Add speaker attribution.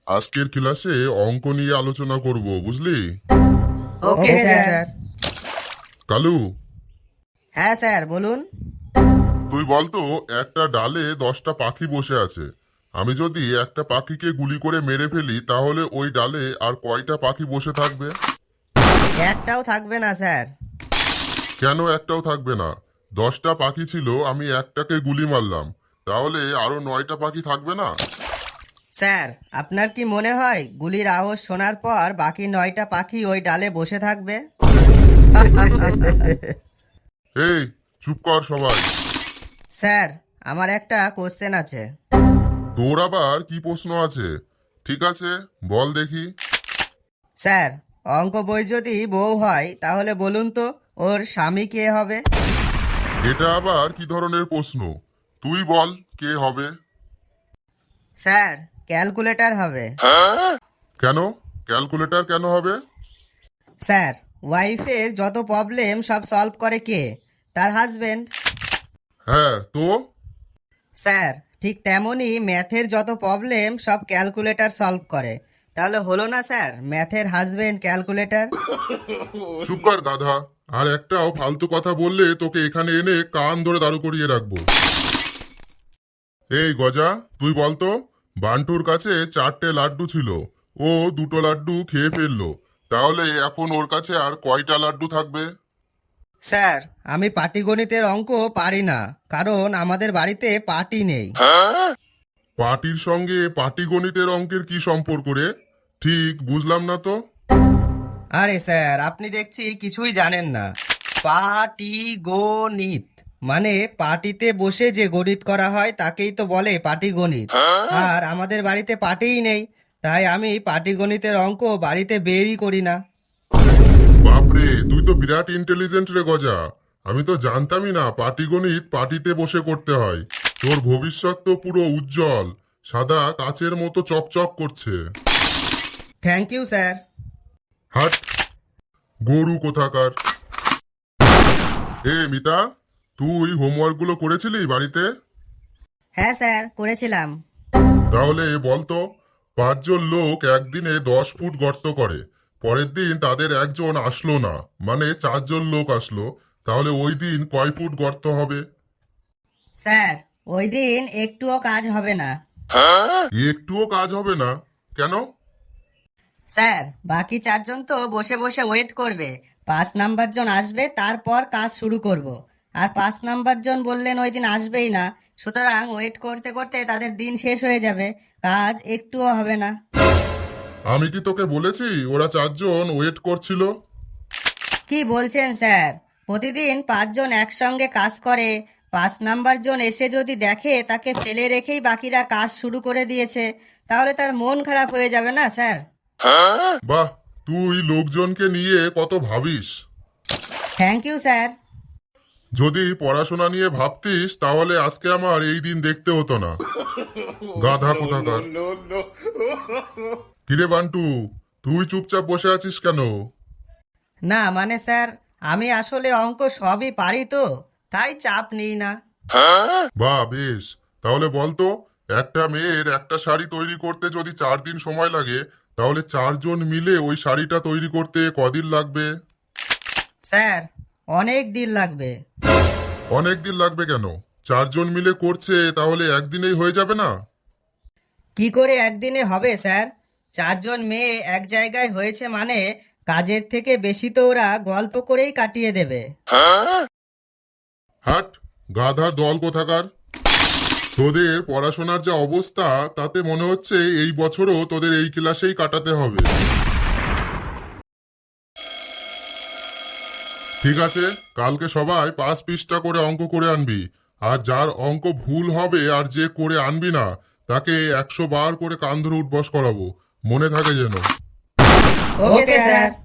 Speaker 1: আজকের ক্লাসে অঙ্ক নিয়ে আলোচনা করব, বুঝলি?
Speaker 2: Okay sir.
Speaker 1: কালু,
Speaker 2: হ্যাঁ স্যার, বলুন।
Speaker 1: তুই বলতো একটা ডালে 10টা পাখি বসে আছে। আমি যদি একটা পাখিকে গুলি করে মেরে ফেলি তাহলে ওই ডালে আর কয়টা পাখি বসে থাকবে?
Speaker 2: একটাও থাকবে না স্যার।
Speaker 1: কেন একটাও থাকবে না? 10টা পাখি ছিল, আমি একটাকে গুলি মারলাম, তাহলে আরো 9টা পাখি থাকবে না?
Speaker 2: স্যার, আপনার কি মনে হয় গুলির আওয়াজ শোনার পর বাকি 9টা পাখি ওই ডালে বসে থাকবে?
Speaker 1: এই, চুপ কর সবাই।
Speaker 2: স্যার, আমার একটা কোশ্চেন আছে।
Speaker 1: তোর আবার কি প্রশ্ন আছে? ঠিক আছে, বল দেখি।
Speaker 2: স্যার, অঙ্ক বই যদি বউ হয় তাহলে বলুন তো ওর স্বামী কে হবে?
Speaker 1: এটা আবার কি ধরনের প্রশ্ন? তুই বল, কে হবে?
Speaker 2: স্যার, ক্যালকুলেটর হবে।
Speaker 1: কেন? ক্যালকুলেটর কেন হবে?
Speaker 2: স্যার, ওয়াইফের যত প্রবলেম সব সলভ করে কে? তার হাজবেন্ড।
Speaker 1: হ্যাঁ তো?
Speaker 2: স্যার, ঠিক তেমনই ম্যাথের যত প্রবলেম সব ক্যালকুলেটর সলভ করে। তাহলে হলো না স্যার, ম্যাথের হাজবেন্ড ক্যালকুলেটর?
Speaker 1: চুপ কর গাধা। আর একটাও ফালতু কথা বললে তোকে এখানে এনে কান ধরে দাঁড় করিয়ে রাখবো। এই গজা, তুই বলতো, বান্টুর কাছে 4টে লাড্ডু ছিল, ও 2টো লাড্ডু খেয়ে ফেললো, তাহলে এখন ওর কাছে আর কয়টা লাড্ডু থাকবে?
Speaker 2: স্যার, আমি পাটিগণিতের অঙ্ক পারি না, কারণ আমাদের বাড়িতে পাটি নেই।
Speaker 1: পাটির সঙ্গে পাটিগণিতের অঙ্কের কি সম্পর্ক রে? ঠিক বুঝলাম না তো।
Speaker 2: আরে স্যার, আপনি দেখছি কিছুই জানেন না। পাটিগণিত মানে পাটিতে বসে যে গণিত করা হয় তাকেই তো বলে পাটিগণিত। আর আমাদের বাড়িতে পাটিই নেই, তাই আমি পাটিগণিতের অঙ্ক বাড়িতে বেরই করি না।
Speaker 1: বাপরে, তুই তো বিরাট ইন্টেলিজেন্ট রে গজা। আমি তো জানতামই না পাটিগণিত পাটিতে বসে করতে হয়। তোর ভবিষ্যৎ তো পুরো উজ্জ্বল, সাদা কাচের মতো চকচক করছে।
Speaker 2: Thank you sir.
Speaker 1: হাট, গরু কোথাকার। এ মিতা, তুই হোমওয়ার্ক গুলো করেছিলি বাড়িতে?
Speaker 2: হ্যাঁ স্যার, করেছিলাম।
Speaker 1: তাহলে বলতো, 5জন লোক একদিনে 10 ফুট গর্ত করে, পরের দিন তাদের একজন আসলো না, মানে 4জন লোক আসলো, তাহলে ওই দিন কয় ফুট গর্ত হবে?
Speaker 2: স্যার, ওই দিন একটুও কাজ হবে না।
Speaker 1: একটুও কাজ হবে না? কেন?
Speaker 2: স্যার, বাকি 4জন তো বসে বসে ওয়েট করবে। 5 নাম্বার জন আসবে, তারপর কাজ শুরু করব। আর 5 নাম্বার জন বললেন ওই দিন আসবেই না, সুতরাং ওয়েট করতে করতে তাদের দিন শেষ হয়ে যাবে, কাজ একটুও হবে না।
Speaker 1: আমি কি তোকে বলেছি ওরা 4জন ওয়েট করছিল?
Speaker 2: কি বলছেন স্যার? প্রতিদিন 5জন একসঙ্গে কাজ করে, 5 নাম্বার জন এসে যদি দেখে তাকে ফেলে রেখেই বাকিরা কাজ শুরু করে দিয়েছে, তাহলে তার মন খারাপ হয়ে যাবে না স্যার?
Speaker 1: বাহ, তুই লোকজনকে নিয়ে কত ভাবিস।
Speaker 2: Thank you sir.
Speaker 1: যদি পড়াশোনা নিয়ে ভাবতিস তাহলে আজকে আমার এই দিন দেখতে হতো না। গাধা কোথাকার। কিরে বান্টু, তুই চুপচাপ বসে আছিস কেন?
Speaker 2: না মানে স্যার, আমি আসলে অঙ্ক সবই পারি তো, তাই চাপ নিই না।
Speaker 1: বাহ বেশ, তাহলে বলতো, একটা মেয়ের একটা শাড়ি তৈরি করতে যদি 4 দিন সময় লাগে, তাহলে 4জন মিলে ওই শাড়িটা তৈরি করতে কদিন লাগবে?
Speaker 2: স্যার, অনেক দিন লাগবে।
Speaker 1: অনেক দিন লাগবে কেন? 4জন মিলে করছে, তাহলে একদিনেই হয়ে যাবে না?
Speaker 2: কি করে একদিনে হবে স্যার? 4জন মেয়ে এক জায়গায় হয়েছে মানে কাজের থেকে বেশি তো ওরা গল্প করেই কাটিয়ে দেবে।
Speaker 1: হাট, গাধার দল কোথাকার। তোদের পড়াশোনার যা অবস্থা, তাতে মনে হচ্ছে এই বছরও তোদের এই ক্লাসেই কাটাতে হবে। ঠিক আছে, কালকে সবাই 5 পৃষ্ঠা করে অঙ্ক করে আনবি। আর যার অঙ্ক ভুল হবে আর যে করে আনবি না, তাকে 100 বার করে কান ধরে উঠবস করাবো, মনে থাকে যেন।
Speaker 2: Okay sir.